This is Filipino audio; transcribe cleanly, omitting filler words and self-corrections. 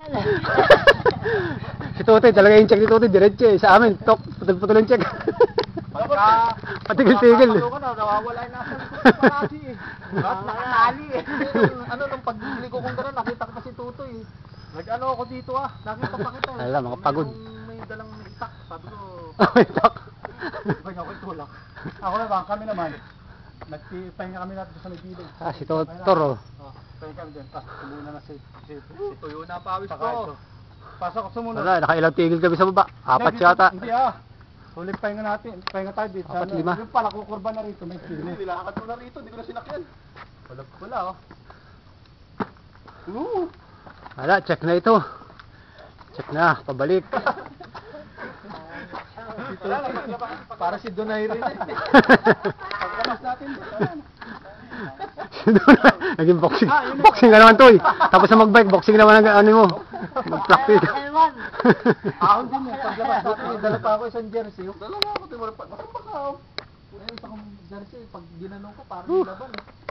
Si Tutoy, talaga yung check ni Tutoy, diretso eh. Sa amin, putol-putol yung check. Patigil-tigil. Nawawala yung nasa likod ko parati eh. Nakatali eh. Ano, nung pagbili ko kung gano'n, nakita ko pa si Tutoy eh. Nag-ano ako dito ah, nakita pa kita eh. Alam, mga pagod. May dalang itak, sabi ko. Itak. Ba't ako itulak? Ako naman, kami naman. Nagpahinga kami natin sa may bilog. Ah, si Totoro. Pahinga kami din. Sumuna na si Tuyo na pawis ko. Pasok ako sumunod. Wala, nakailang tigil kami sa baba. 4 yata. Hindi ah. Huling pahinga natin. Pahinga tayo dito. 4, 5. Yung pala, kukurba na rito. May kilo. Nilakad ko na rito. Hindi ko na sinakyan. Wala oh. Wala, check na ito. Check na, pabalik. Para si Donay rin eh. Pagkamas natin. Naging boxing. Boxing ka naman to eh. Tapos na mag-bike, boxing naman ang ano mo. Mag-practice. Ahon din eh. Paglabas natin, dala pa ako isang jersey. Dala ako, di mo rin pa. Masang baka ako. Ayun, isang jersey, pag ginanong ko, parang laban eh.